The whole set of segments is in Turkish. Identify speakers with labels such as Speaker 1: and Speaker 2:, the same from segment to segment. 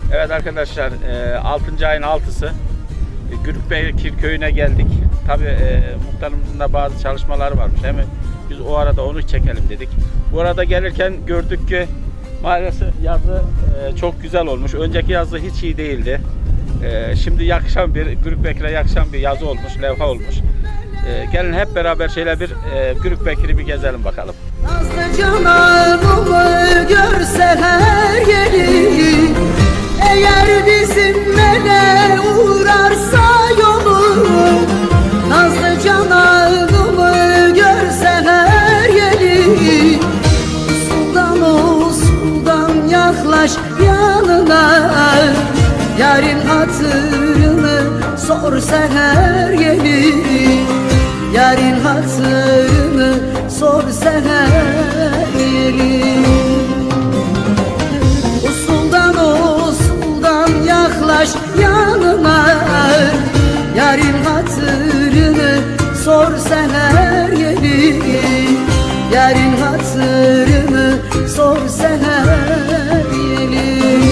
Speaker 1: Evet arkadaşlar, 6. ayın 6'sı Gürükbekir köyüne geldik. Tabi muhtarımızın da bazı çalışmaları varmış. Hemen biz o arada onu çekelim dedik. Bu arada gelirken gördük ki maalesef yazı çok güzel olmuş. Önceki yazı hiç iyi değildi. Şimdi yakışan bir, Gürükbekir'e yakışan bir yazı olmuş, levha olmuş. Gelin hep beraber şöyle bir Gürükbekir'i bir gezelim bakalım.
Speaker 2: Nazlı cananımı görseler gelir, eğer bizimle uğrarsa yolum. Nazlı cananımı görseler gelir, usuldan usuldan yaklaş yanına. Yarın hatırını sor seher gelir, yarın hatırını sor seher gelir. Usuldan usuldan yaklaş yanıma, yarın hatırını sor seher gelir, yarın hatırını sor seher gelir.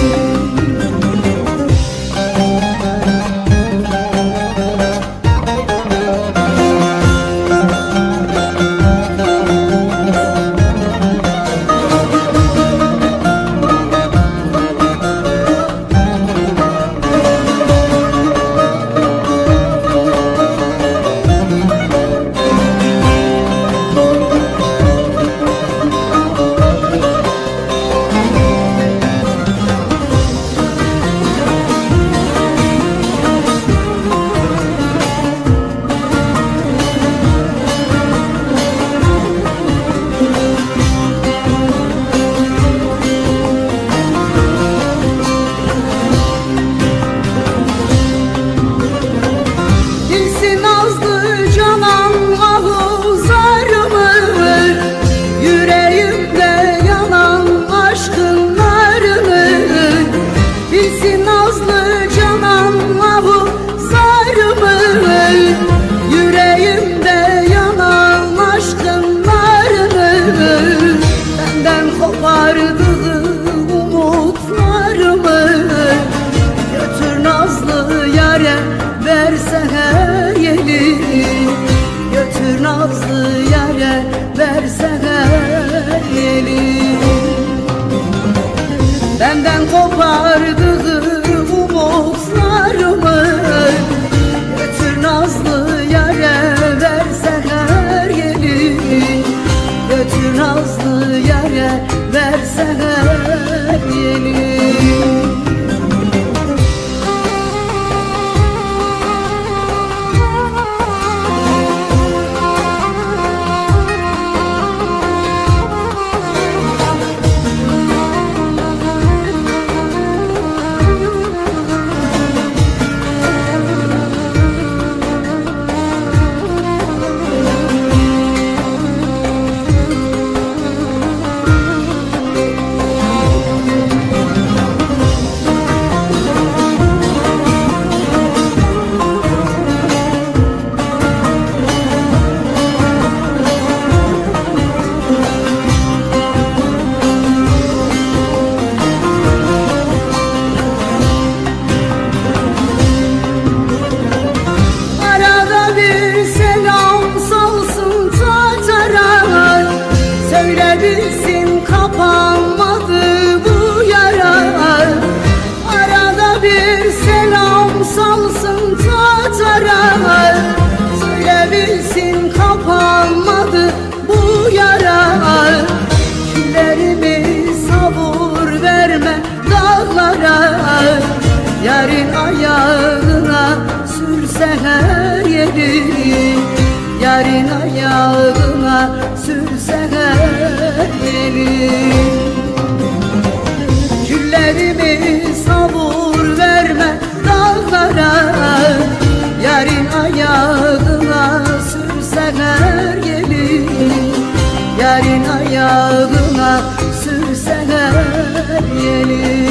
Speaker 2: Benden kopardığım umutlarımı götür nazlı yâre, versen her gelir. Götür nazlı yâre, versen her gelir. Bilsin kapanmadı bu yara, arada bir selam salsın tatara. Söyle bilsin kapanmadı bu yara, küllerimi savur verme dağlara. Yarın ayağına sürse her yeri, yarın ayağına sürse her yeri. Küllerimi savur verme dağlara, yarın ayağına sürse her yeri, yarın ayağına sürse her yeri.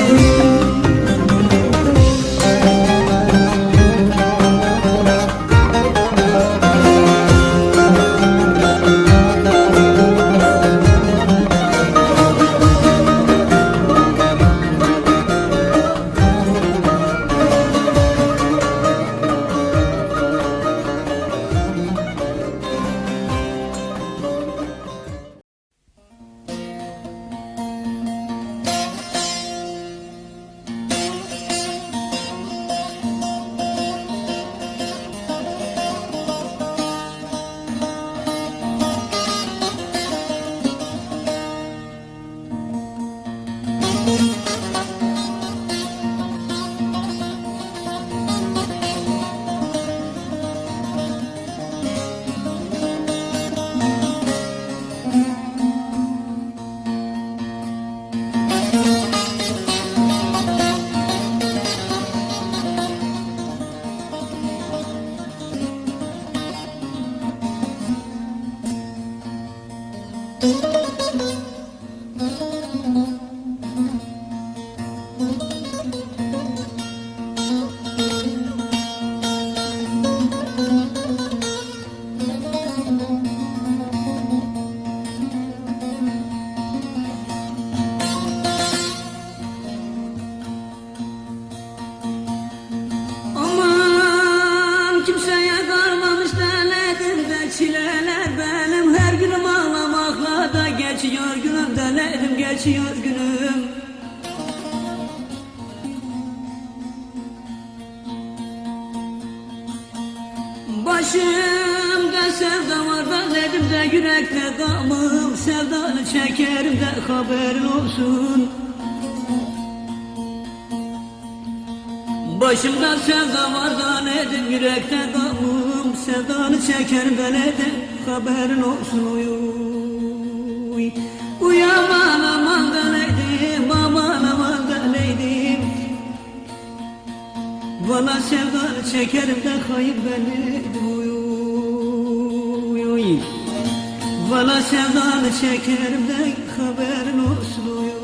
Speaker 2: Aman kimseye kalmamış denedim de çileler benim. Her günüm ağlamakla da geçiyor günüm, denedim geçiyor günüm. Başımda sevda var da dedim de yürekte gamım. Sevdanı çekerim de haberin olsun. Başımda sevda var da nedim, yürekte gamım. Sevdanı çekerim de nedim, haberin olsun. Uy, uy aman aman da neydim, aman aman da neydim. Valla sevdanı çekerim de hayır benim. Uy, uy. Valla sevdanı çekerim de haberin olsun. Uy.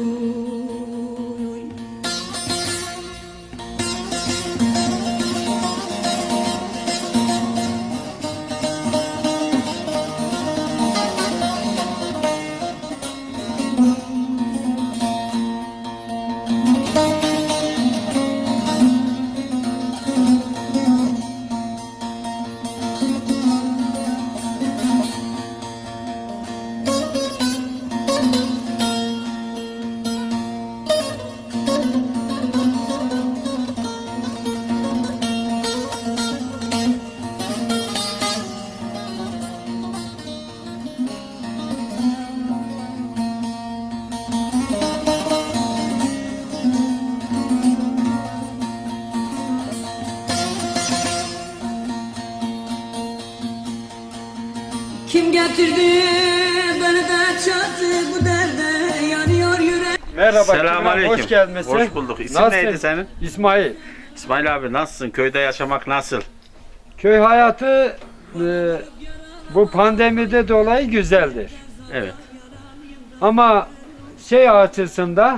Speaker 2: Kim getirdi beni de çattı bu derde, yanıyor yürek.
Speaker 3: Merhaba.
Speaker 1: Selamünaleyküm.
Speaker 3: Hoş gelmişsin.
Speaker 1: Hoş bulduk. İsim
Speaker 3: Nasılsın?
Speaker 1: neydi senin?
Speaker 3: İsmail.
Speaker 1: İsmail abi nasılsın? Köyde yaşamak nasıl?
Speaker 3: Köy hayatı bu pandemide dolayı güzeldir.
Speaker 1: Evet.
Speaker 3: Ama şey açısında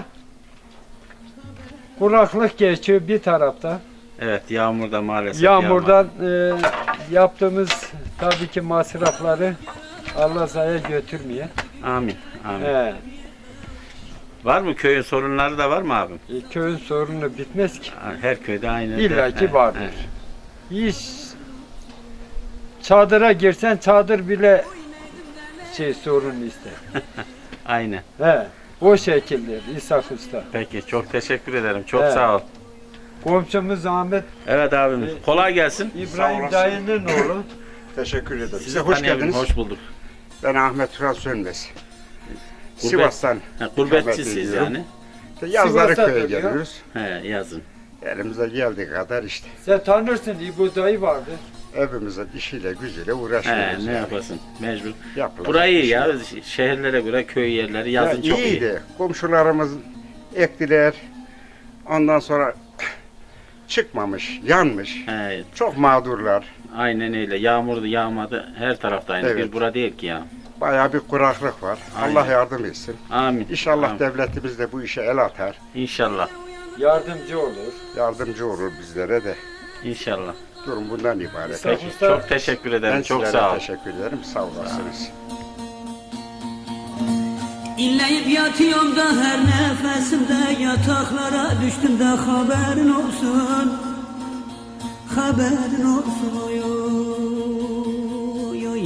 Speaker 3: kuraklık geçiyor bir tarafta.
Speaker 1: Evet, yağmurda maalesef.
Speaker 3: Yağmurdan yaptığımız tabii ki masrafları Allah zaya götürmeye.
Speaker 1: Amin. Amin.
Speaker 3: He,
Speaker 1: Var mı köyün sorunları da var mı abim?
Speaker 3: köyün sorunu bitmez ki.
Speaker 1: Her köyde aynı.
Speaker 3: İlla ki
Speaker 1: Evet,
Speaker 3: vardır.
Speaker 1: evet.
Speaker 3: Hiç çadıra girsen çadır bile sorun ister.
Speaker 1: Aynen.
Speaker 3: He, o şekilde İshak Usta.
Speaker 1: Peki çok teşekkür ederim. Çok
Speaker 3: Evet.
Speaker 1: sağ ol.
Speaker 3: Komşumuz Ahmet
Speaker 1: Evet abim. Kolay gelsin.
Speaker 3: İbrahim dayının oğlu.
Speaker 4: Teşekkür ederim.
Speaker 1: Sizi
Speaker 4: Size hoş
Speaker 1: tanıyabilirim.
Speaker 4: geldiniz.
Speaker 1: Hoş bulduk.
Speaker 4: Ben Ahmet Turan Sönmez.
Speaker 1: Gurbet-
Speaker 4: Sivas'tan.
Speaker 1: Gurbetçisiz
Speaker 4: ikamet ediyorum.
Speaker 1: yani.
Speaker 4: İşte yazları
Speaker 3: Sivas'ta
Speaker 4: köye
Speaker 3: duruyor.
Speaker 4: geliyoruz.
Speaker 1: He, yazın.
Speaker 4: Elimize geldiği kadar işte.
Speaker 3: Sen tanırsın İbo dayı vardı.
Speaker 4: Evimize işiyle gücüyle
Speaker 1: He,
Speaker 4: uğraşıyoruz.
Speaker 1: ne
Speaker 4: yani.
Speaker 1: yapasın? Mecbur.
Speaker 4: Yapılacak
Speaker 1: Burayı
Speaker 4: bir
Speaker 1: ya
Speaker 4: şey
Speaker 1: şehirlere göre köy yerleri
Speaker 4: yok.
Speaker 1: yazın
Speaker 4: Ya
Speaker 1: çok iyi.
Speaker 4: iyiydi. Komşularımız ektiler. Ondan sonra çıkmamış, yanmış.
Speaker 1: He,
Speaker 4: Çok mağdurlar.
Speaker 1: aynen öyle. Yağmurdu, yağmadı. Her tarafta aynı.
Speaker 4: Evet.
Speaker 1: Bir bura değil ki ya.
Speaker 4: Bayağı bir kuraklık var.
Speaker 1: Aynen.
Speaker 4: Allah yardım etsin.
Speaker 1: Amin.
Speaker 4: İnşallah
Speaker 1: Amin.
Speaker 4: devletimiz de bu işe el atar.
Speaker 1: İnşallah.
Speaker 3: Yardımcı olur.
Speaker 4: Yardımcı olur bizlere de.
Speaker 1: İnşallah.
Speaker 4: Durum bundan ibaret.
Speaker 3: Sağ ol.
Speaker 1: Peki, çok teşekkür ederim.
Speaker 4: Ben
Speaker 1: Çok
Speaker 4: sizlere
Speaker 1: sağ ol.
Speaker 4: teşekkür ederim. Sağ olasınız.
Speaker 2: İnleyip yatıyorum da her nefesimde, yataklara düştüm de haberin olsun. Haberin olsun. Oy, oy, oy.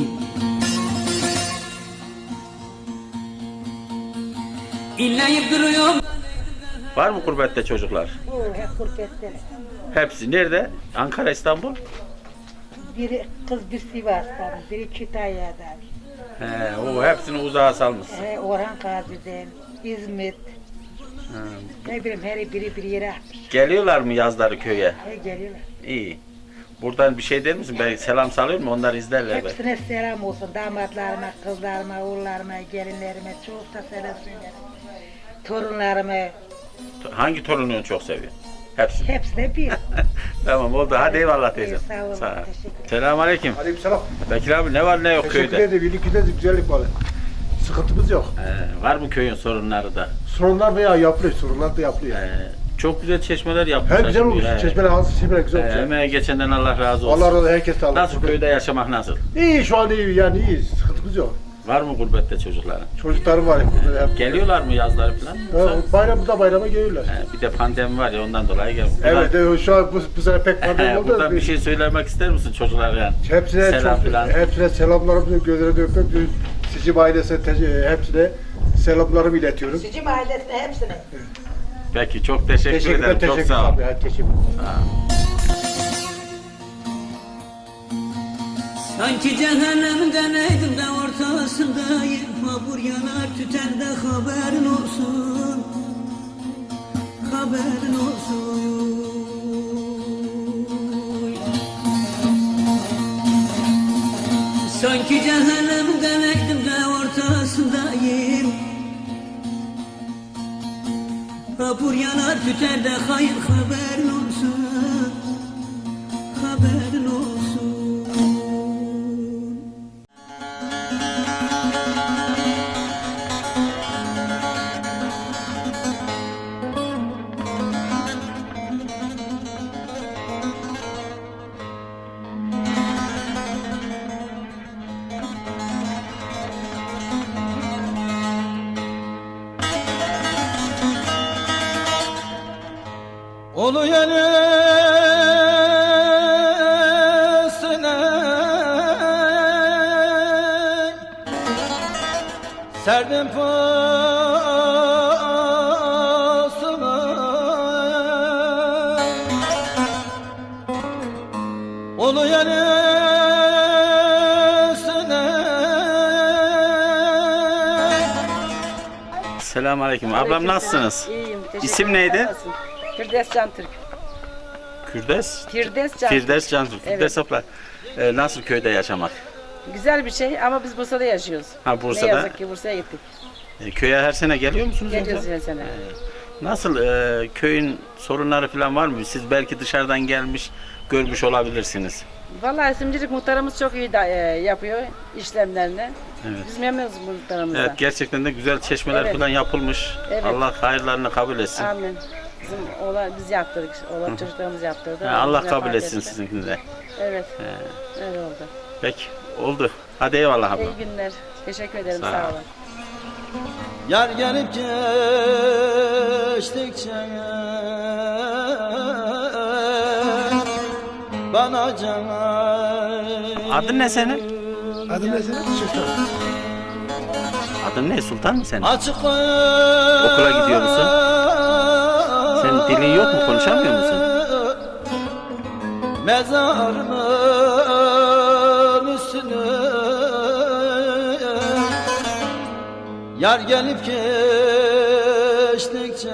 Speaker 2: İnleyip duruyorum.
Speaker 1: Var mı gurbette çocuklar?
Speaker 5: Hep gurbette.
Speaker 1: Hepsi. Nerede? Ankara, İstanbul?
Speaker 5: Biri kız bir Sivas'tan, biri Kütahya'dan,
Speaker 1: He, o hepsini uzağa salmışsın.
Speaker 5: Orhan Gazi'den, İzmit. Ne bileyim her biri bir yere atmış.
Speaker 1: Geliyorlar mı yazları köye?
Speaker 5: Geliyorlar.
Speaker 1: İyi. Buradan bir şey der misin? Ben selam salıyor mu? Onlar izlerler belki.
Speaker 5: Hepsine selam olsun. Damatlarıma, kızlarıma, oğullarıma, gelinlerime çok da selam söylerim. Torunlarıma,
Speaker 1: Hangi torununu çok seviyor? Hepsi.
Speaker 5: hepsine bir.
Speaker 1: Tamam oldu. Hadi eyvallah teyzem.
Speaker 5: Sağ olun, teşekkür ederim.
Speaker 1: Selamünaleyküm.
Speaker 6: Aleykümselam.
Speaker 1: Bekir abi ne var ne yok
Speaker 6: Teşekkür
Speaker 1: köyde?
Speaker 6: ederim. Birlikte de güzellik var. Sıkıntımız yok.
Speaker 1: Var mı köyün sorunları da?
Speaker 6: Sorunlar veya yapılıyor. Sorunlar da yapılıyor.
Speaker 1: Çok güzel çeşmeler yapmışlar.
Speaker 6: Hem güzel
Speaker 1: şimdi.
Speaker 6: olmuş. Çeşmeler hazır, çeşmeler güzel olmuş.
Speaker 1: Emeğe geçenden Allah razı olsun.
Speaker 6: Allah razı olsun. Herkes sağlık.
Speaker 1: Nasıl köyde yaşamak nasıl?
Speaker 6: İyi şu an iyi yani iyi. Sıkıntımız yok.
Speaker 1: Var mı gurbette çocukların?
Speaker 6: Çocuklarım var. Hep.
Speaker 1: Geliyorlar mı yazları falan?
Speaker 6: Bayramda bayrama geliyorlar.
Speaker 1: Bir de pandemi var ya ondan dolayı gelmiyor.
Speaker 6: Evet şu an bu sene pek pandemi oldu.
Speaker 1: Buradan bir şey söylemek ister misin çocuklara yani?
Speaker 6: Hepsine
Speaker 1: Selam
Speaker 6: çok,
Speaker 1: filan.
Speaker 6: hepsine selamlarımı gözlerine öpüyorum. Sicim ailesine hepsine selamlarımı iletiyorum.
Speaker 5: Sicim ailesine hepsine.
Speaker 1: Peki çok teşekkür ederim. Çok sağ ol.
Speaker 6: Teşekkür
Speaker 2: Sanki cehennemden eğdim de ortasındayım. Mabur yanar tüten de haberin olsun. Haberin olsun. Sanki cehennemden eğdim de ortasındayım. Mabur yanar tüter de hayır haberin olsun. Haberin olsun.
Speaker 3: Olu yanısına serdim pasımı. Olu yanısına
Speaker 1: Selamünaleyküm. Ablam nasılsınız?
Speaker 7: İyiyim. Teşekkür
Speaker 1: İsim
Speaker 7: ederim.
Speaker 1: neydi?
Speaker 7: Sen nasılsın? Firdevs Cantürk.
Speaker 1: Kürdes?
Speaker 7: Firdevs Cantürk.
Speaker 1: Firdevs Cantürk.
Speaker 7: Evet.
Speaker 1: Firdevs abla. Nasıl köyde yaşamak?
Speaker 7: Güzel bir şey ama biz Bursa'da yaşıyoruz.
Speaker 1: Ha Bursa'da.
Speaker 7: Ne yazık ki Bursa'ya gittik.
Speaker 1: Köye her sene geliyor musunuz?
Speaker 7: Geliyoruz
Speaker 1: yoksa?
Speaker 7: her sene.
Speaker 1: Nasıl köyün sorunları falan var mı? Siz belki dışarıdan gelmiş, görmüş olabilirsiniz.
Speaker 7: Vallahi Simcilik muhtarımız çok iyi yapıyor işlemlerini.
Speaker 1: Evet.
Speaker 7: Biz memnunuz muhtarımızdan.
Speaker 1: Evet gerçekten de güzel çeşmeler
Speaker 7: Evet.
Speaker 1: falan yapılmış.
Speaker 7: Evet.
Speaker 1: Allah hayırlarını kabul etsin.
Speaker 7: Amin. Bizim oğlan biz yaptırdık. Oğlan çocuklarımız yaptırdı.
Speaker 1: Allah
Speaker 7: Biz
Speaker 1: kabul
Speaker 7: vefat
Speaker 1: etsin
Speaker 7: ettiler.
Speaker 1: sizinkini de.
Speaker 7: Evet. Öyle oldu.
Speaker 1: Peki oldu. Hadi eyvallah abla.
Speaker 7: İyi günler. Teşekkür ederim.
Speaker 1: Sağ ol.
Speaker 7: Sağ olun.
Speaker 3: Yar gelip geçtikçe bana can.
Speaker 1: Adın ne senin?
Speaker 6: Adım ne senin? Sultan.
Speaker 1: Adın ne? Sultan mı senin?
Speaker 3: Açık
Speaker 1: Okula gidiyor musun? Senin dilin yok mu? Konuşamıyor musun?
Speaker 3: Mezarımın üstüne yar gelip geçtikçe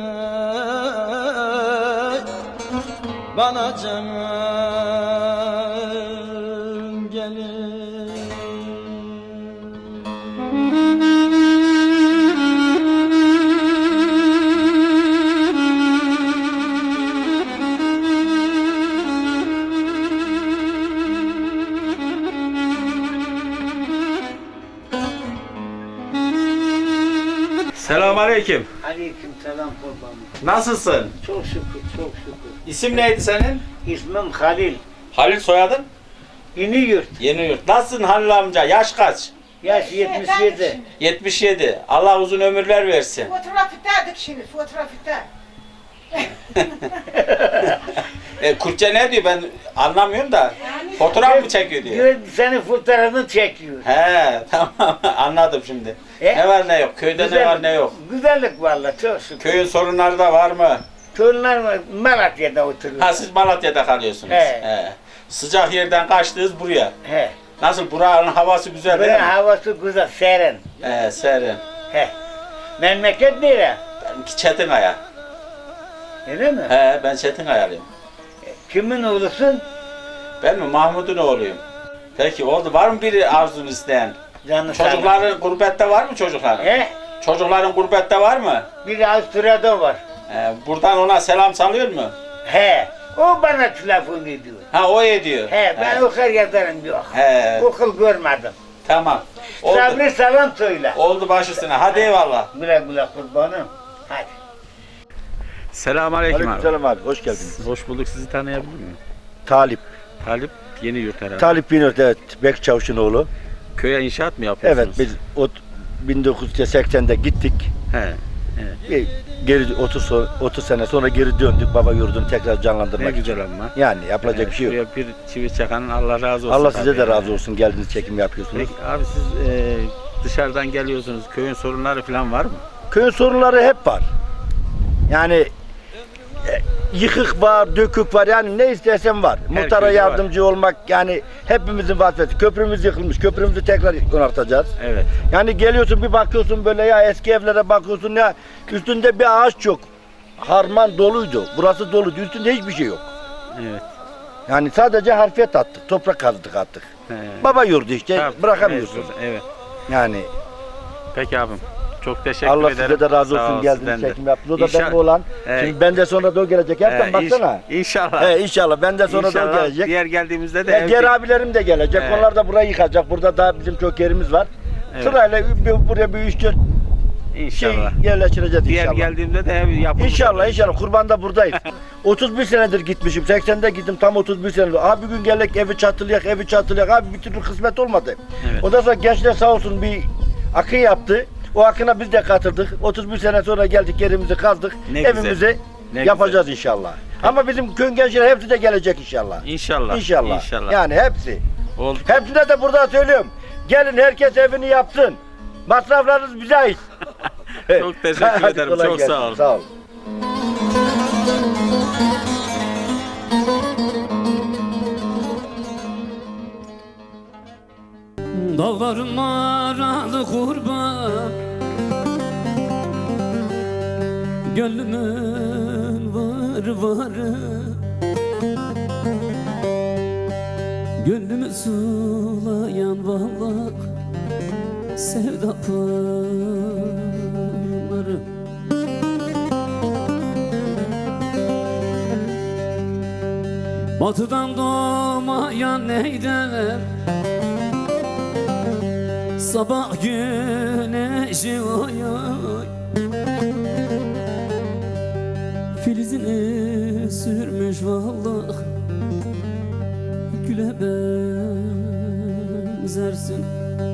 Speaker 3: bana can gelir.
Speaker 1: Selamünaleyküm.
Speaker 8: Aleyküm selam kurbanım.
Speaker 1: Nasılsın?
Speaker 8: Çok şükür, çok şükür.
Speaker 1: İsim neydi senin?
Speaker 8: İsmim Halil.
Speaker 1: Halil soyadın?
Speaker 8: Yeniyurt.
Speaker 1: Yeniyurt. Nasılsın Halil amca? Yaş kaç?
Speaker 8: Yaş 77.
Speaker 1: 77. Allah uzun ömürler versin.
Speaker 5: Fotoğrafı da şimdi, fotoğrafı da.
Speaker 1: Kürtçe ne diyor ben anlamıyorum da. Fotoğraf mı çekiyor diyor.
Speaker 8: Diyor senin fotoğrafını çekiyor.
Speaker 1: He tamam anladım şimdi. Ne var ne yok. Köyde ne var ne yok.
Speaker 8: Güzellik vallahi çok şükür.
Speaker 1: Köyün sorunları da var mı?
Speaker 8: Torunlar var, Malatya'da oturuyor.
Speaker 1: Ha siz Malatya'da kalıyorsunuz.
Speaker 8: He.
Speaker 1: Sıcak yerden kaçtınız buraya.
Speaker 8: He.
Speaker 1: Nasıl buranın havası güzel değil
Speaker 8: Buranın
Speaker 1: mi?
Speaker 8: havası güzel, serin.
Speaker 1: Serin.
Speaker 8: He. Memleket nere?
Speaker 1: Benimki Çetinkaya.
Speaker 8: Öyle mi?
Speaker 1: He, ben Çetinkayalıyım.
Speaker 8: Kimin oğlusun?
Speaker 1: Ben mi Mahmut'un oğluyum. Peki oldu. Var mı biri arzunu isteyen?
Speaker 8: Canı sağ olun.
Speaker 1: Çocukların gurbette var mı çocukların?
Speaker 8: He?
Speaker 1: Çocukların gurbette var mı?
Speaker 8: Biri Avusturya'da var.
Speaker 1: Buradan ona selam salıyor mu?
Speaker 8: He. O bana telefon ediyor.
Speaker 1: Ha o ediyor.
Speaker 8: He ben okur yazarım yok.
Speaker 1: He.
Speaker 8: Okul görmedim.
Speaker 1: Tamam. Oldu.
Speaker 8: Sabri selam söyle.
Speaker 1: Oldu baş üstüne. Hadi eyvallah.
Speaker 8: Güle güle kurbanım. Hadi.
Speaker 1: Selamünaleyküm abi.
Speaker 9: Aleykümselam abi, hoş geldiniz.
Speaker 1: Hoş bulduk. Sizi tanıyabilir miyim?
Speaker 9: Talip.
Speaker 1: Talip Yeni Yurt herhalde.
Speaker 9: Talip Binört, evet. Bek Çavuş'un oğlu.
Speaker 1: Köye inşaat mı
Speaker 9: Evet,
Speaker 1: yapıyorsunuz?
Speaker 9: biz 1980'de gittik.
Speaker 1: He.
Speaker 9: Bir geri 30 sene sonra geri döndük. Baba yurdunu tekrar
Speaker 1: Ne
Speaker 9: canlandırmak için.
Speaker 1: güzel ama.
Speaker 9: Yani yapılacak bir şey yok.
Speaker 1: Şuraya bir çivi çakanın Allah razı olsun.
Speaker 9: Allah size
Speaker 1: tabii
Speaker 9: de
Speaker 1: yani.
Speaker 9: razı olsun. Geldiniz, çekim yapıyorsunuz.
Speaker 1: Peki abi siz dışarıdan geliyorsunuz. Köyün sorunları falan var mı?
Speaker 9: Köyün sorunları hep var. Yani yıkık var, dökük var. Yani ne istersen var. Muhtara
Speaker 1: köyde
Speaker 9: yardımcı olmak yani hepimizin vazifesi. Köprümüz yıkılmış. Köprümüzü tekrar onartacağız.
Speaker 1: Evet.
Speaker 9: Yani geliyorsun bir bakıyorsun böyle ya eski evlere bakıyorsun ya üstünde bir ağaç yok. Harman doluydu. Burası doluydu. Üstünde hiçbir şey yok.
Speaker 1: Evet.
Speaker 9: Yani sadece harfiyat attık. Toprak kazdık attık.
Speaker 1: He.
Speaker 9: Baba yurdu işte
Speaker 1: Tabii,
Speaker 9: bırakamıyorsun.
Speaker 1: mecbur, Evet.
Speaker 9: Yani
Speaker 1: Peki abim. Çok teşekkür
Speaker 9: Allah
Speaker 1: ederim.
Speaker 9: size de razı
Speaker 1: Sağ
Speaker 9: olsun
Speaker 1: ol,
Speaker 9: geldiniz
Speaker 1: sizden de.
Speaker 9: çekim yaptınız. O da
Speaker 1: İnşallah-
Speaker 9: benim olan.
Speaker 1: He.
Speaker 9: Şimdi benden sonra da o gelecek. Hepten baksana.
Speaker 1: İnşallah.
Speaker 9: He, inşallah benden sonra da o
Speaker 1: İnşallah
Speaker 9: gelecek.
Speaker 1: diğer geldiğimizde de
Speaker 9: Ya, diğer abilerim de gelecek.
Speaker 1: Evet.
Speaker 9: Onlar da burayı yıkacak. Burada daha bizim çok yerimiz var.
Speaker 1: Evet.
Speaker 9: Sırayla buraya bir 3-4 şey
Speaker 1: İnşallah.
Speaker 9: yerleştireceğiz
Speaker 1: Diğer
Speaker 9: inşallah.
Speaker 1: geldiğimde de ev yapılır.
Speaker 9: İnşallah kurbanda buradayız. 31 senedir gitmişim. 80'de gittim tam 31 senedir. Abi bir gün geldik evi çatılayak. Abi bir türlü kısmet olmadı.
Speaker 1: Evet.
Speaker 9: Ondan sonra gençler sağ olsun bir akın yaptı. O akına biz de katıldık. 31 sene sonra geldik yerimizi kazdık.
Speaker 1: Ne güzel.
Speaker 9: Evimizi
Speaker 1: Ne
Speaker 9: yapacağız inşallah. Ama bizim köyün gençleri hepsi de gelecek inşallah.
Speaker 1: İnşallah.
Speaker 9: İnşallah. Yani hepsi.
Speaker 1: Oldu.
Speaker 9: Hepsine de burada söylüyorum. Gelin herkes evini yapsın. Masraflarınız bize ait.
Speaker 1: Çok teşekkür
Speaker 9: Hadi
Speaker 1: ederim.
Speaker 9: kolay
Speaker 1: Çok
Speaker 9: gelsin.
Speaker 1: sağ olun.
Speaker 9: Sağ ol.
Speaker 2: Dağlarım aralı kurban Gönlümün varı Gönlümü sulayan vallahi Sevda pınarı Batıdan doğmayan neydem Sabah güneşi oy oy Filizini sürmüş vallahi Güle benzersin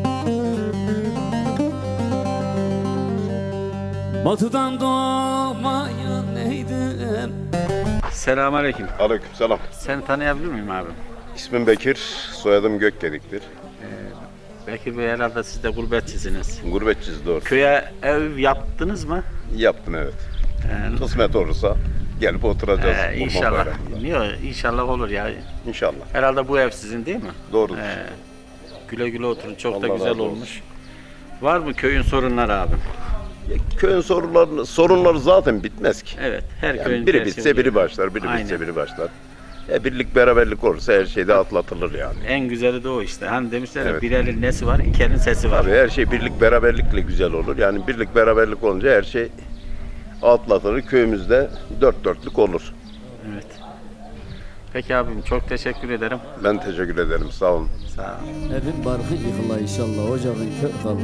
Speaker 2: Batıdan doğmayan neydim
Speaker 1: Selamünaleyküm.
Speaker 10: Aleykümselam.
Speaker 1: Seni tanıyabilir miyim abi?
Speaker 10: İsmim Bekir, soyadım Gökgedik'tir.
Speaker 1: Bekir Bey herhalde siz de gurbetçisiniz.
Speaker 10: Gurbetçiyiz doğru.
Speaker 1: Köye ev yaptınız mı?
Speaker 10: Yaptım evet.
Speaker 1: Ee,
Speaker 10: Kısmet olursa gelip oturacağız. Kurban
Speaker 1: inşallah.
Speaker 10: Bayramı'nda.
Speaker 1: Niye? İnşallah olur ya.
Speaker 10: İnşallah.
Speaker 1: Herhalde bu ev sizin değil mi?
Speaker 10: Doğrudur.
Speaker 1: Güle güle oturun. Çok da
Speaker 10: Allah
Speaker 1: güzel
Speaker 10: razı olsun.
Speaker 1: olmuş. Var mı köyün sorunları abim?
Speaker 10: Köyün sorunları zaten bitmez ki.
Speaker 1: Evet. Her köyün
Speaker 10: Yani biri
Speaker 1: tersi
Speaker 10: bitse
Speaker 1: oluyor.
Speaker 10: biri başlar, biri
Speaker 1: Aynen.
Speaker 10: bitse biri başlar. Birlik beraberlik olursa her şey de atlatılır yani.
Speaker 1: En güzeli de o işte. Hani demişler ya
Speaker 10: Evet.
Speaker 1: bir elin nesi var, iki elin sesi var.
Speaker 10: Tabii her şey birlik beraberlikle güzel olur. Yani birlik beraberlik olunca her şey atlatılır. Köyümüzde dört dörtlük olur.
Speaker 1: Evet. Peki abim çok teşekkür ederim.
Speaker 10: Ben teşekkür ederim. Sağ olun.
Speaker 1: Sağ olun.
Speaker 2: Evin barkı yıkıla inşallah ocağın kör kala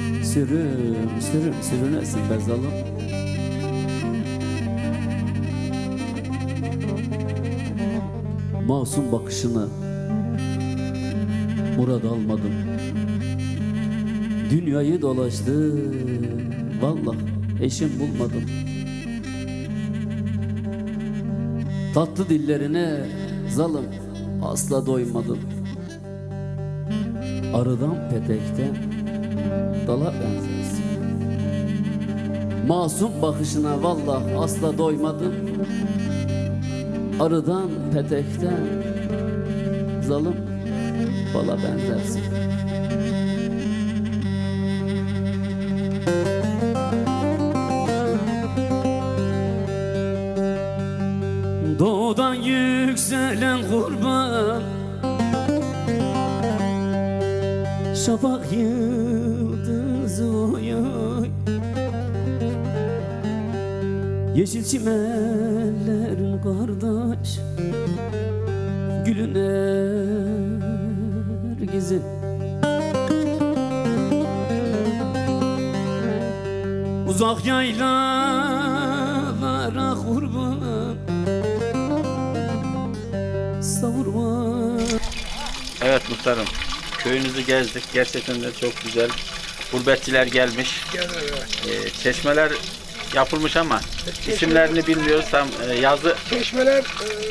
Speaker 2: sürünesin be zalim Masum bakışını murad almadım Dünyayı dolaştı Vallahi eşim bulmadım Tatlı dillerine zalim asla doymadım Arıdan petekten dala benzersin Masum bakışına vallahi asla doymadım Arıdan petekten zalim bala benzersin yükselen kurban Şafak yıldızı oy oy Yeşil çimenlerin kardeş Gülün ergizin Uzak yaylalara kurban Savurma.
Speaker 1: Evet muhtarım, köyünüzü gezdik. Gerçekten de çok güzel. Gurbetçiler gelmiş. Çeşmeler yapılmış ama isimlerini bilmiyoruz. Tam yazı
Speaker 6: Çeşmeler,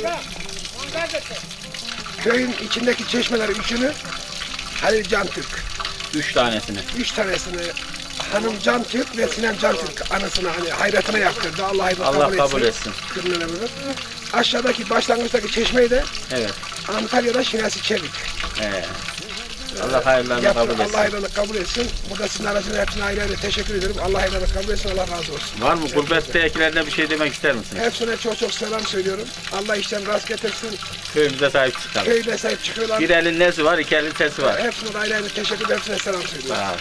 Speaker 6: köyün içindeki çeşmeleri üçünü Halil Cantürk,
Speaker 1: 3 tanesini.
Speaker 6: 3 tanesini Hanım Cantürk ve Sinem Cantürk anısına hani hayratına yaptırdı.
Speaker 1: Allah kabul etsin.
Speaker 6: Aşağıdaki başlangıçtaki çeşmeyi de
Speaker 1: Evet.
Speaker 6: Antalya'da Şinasi Çevik.
Speaker 1: Allah hayırlarını kabul etsin.
Speaker 6: Allah hayırlarını kabul etsin. Burada sizin aracınızda hepsine ayrı ayrı teşekkür ederim. Allah hayırlarını kabul etsin. Allah razı olsun.
Speaker 1: Var mı gurbettekilerine bir şey demek ister misiniz?
Speaker 6: Hepsine çok çok selam söylüyorum. Allah işten rast getirsin.
Speaker 1: Köyümüze sahip çıkalım.
Speaker 6: Köyde sahip çıkıyorlar.
Speaker 1: Bir elin nesi var, iki elin sesi var.
Speaker 6: Hepsine ayrı ayrı teşekkür ederim. Hepsine selam söylüyorum.
Speaker 1: Sağ ol.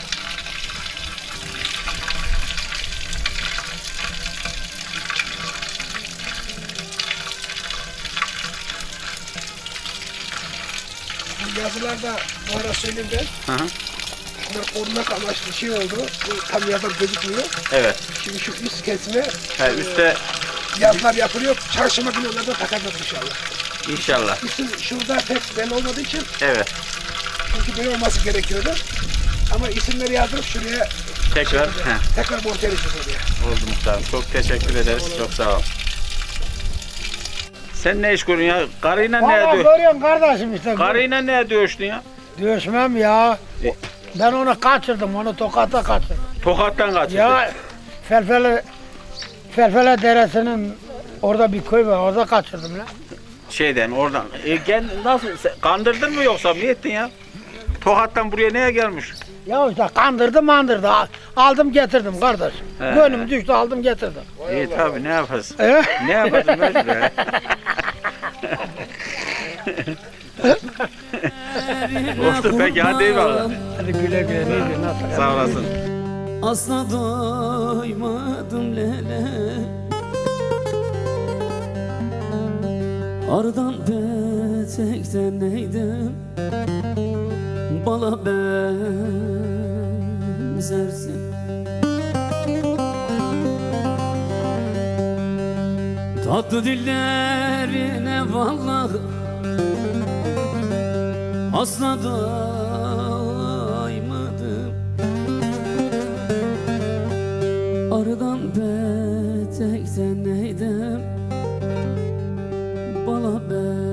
Speaker 6: Bu yazılarda bu ara söyleyeyim ben.
Speaker 1: Hı hı.
Speaker 6: Bunlar korumak amaçlı şey oldu. Bu tam yazılar gözükmüyor.
Speaker 1: Evet.
Speaker 6: Şimdi şu üst kesime
Speaker 1: Üstte
Speaker 6: yazılar yapılıyor. Çarşamba günü onları da takacağız inşallah.
Speaker 1: inşallah.
Speaker 6: İsim şurada pek belli olmadığı için
Speaker 1: Evet.
Speaker 6: çünkü böyle olması gerekiyordu. Ama isimleri yazdırıp şuraya
Speaker 1: Tekrar.
Speaker 6: tekrar monte edeceğiz oraya.
Speaker 1: Oldu muhtarım. Çok teşekkür ederiz. Çok sağ ol. Sen ne iş görüyorsun ya? Karıyla ne ediyor?
Speaker 3: Görüyorsun kardeşim işte.
Speaker 1: Karıyla ne dövüştün ya?
Speaker 3: Dövüşmem ya. Ben onu kaçırdım, onu Tokat'a kaçırdım.
Speaker 1: Tokat'tan kaçırdın.
Speaker 3: Ya Felfele Deresi'nin orada bir köy var, orada kaçırdım lan.
Speaker 1: Şeyden oradan. Nasıl? Kandırdın mı yoksa ne ettin ya? Tokat'tan buraya neye gelmiş?
Speaker 3: Ya işte kandırdı mandırdı, aldım getirdim kardeş.
Speaker 1: He.
Speaker 3: Gönlüm düştü, aldım getirdim.
Speaker 1: İyi tabii ne yaparsın?
Speaker 3: He?
Speaker 1: Ne yaparsın mecbur? Oldu peki hadi eyvallah.
Speaker 3: Hadi güle güle, neydi, nasıl?
Speaker 1: Sağ olasın.
Speaker 2: Asla doymadım lele Ardan petekten neydim Bala benzersin Tatlı dillerine vallahi Asla doymadım Arıdan petekten neydim Bala ben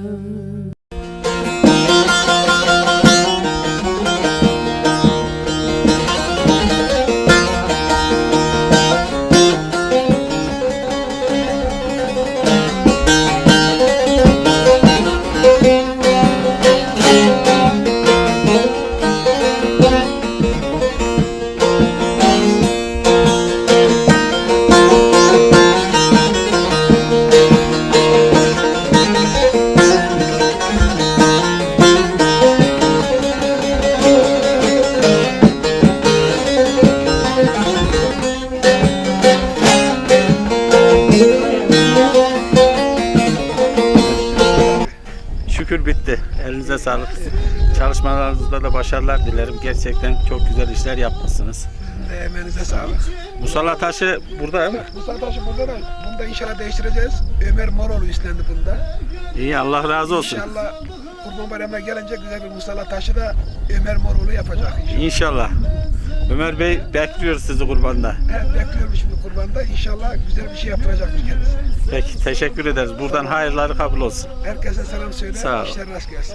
Speaker 1: Şükür bitti. Elinize sağlık. Çalışmalarınızda da başarılar dilerim. Gerçekten çok güzel işler yapmışsınız.
Speaker 6: Emeğinize sağlık.
Speaker 1: Musalla taşı burada değil mi?
Speaker 6: Mustafa Taşı burada da. Bunu da inşallah değiştireceğiz. Ömer Moroğlu üstlendi bunda.
Speaker 1: İyi Allah razı olsun.
Speaker 6: İnşallah Kurban Bayramı'na gelince güzel bir musalla taşı da Ömer Moroğlu yapacak inşallah.
Speaker 1: İnşallah. Ömer Bey bekliyoruz sizi kurbanda.
Speaker 6: Evet, bekliyorum şimdi kurbanda. İnşallah güzel bir şey yaptıracakmış kendisi.
Speaker 1: Peki teşekkür ederiz. Buradan hayırları kabul olsun.
Speaker 6: Herkese selam söyle.
Speaker 1: Sağ ol.
Speaker 6: İşler rast gelsin.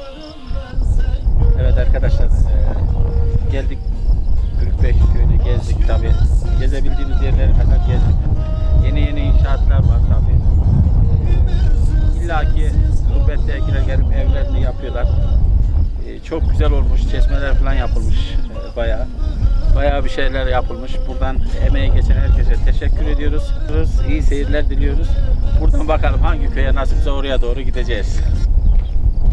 Speaker 1: Evet arkadaşlar geldik Gürükbey köyünü gezdik tabi. Gezebildiğimiz yerlere kadar gezdik. Yeni inşaatlar var tabi. İlla ki gurbettekiler gelip evlerini yapıyorlar. Çok güzel olmuş. Çeşmeler falan yapılmış bayağı. Bayağı bir şeyler yapılmış. Buradan emeği geçen herkese teşekkür ediyoruz. İyi seyirler diliyoruz. Buradan bakalım hangi köye nasipse oraya doğru gideceğiz.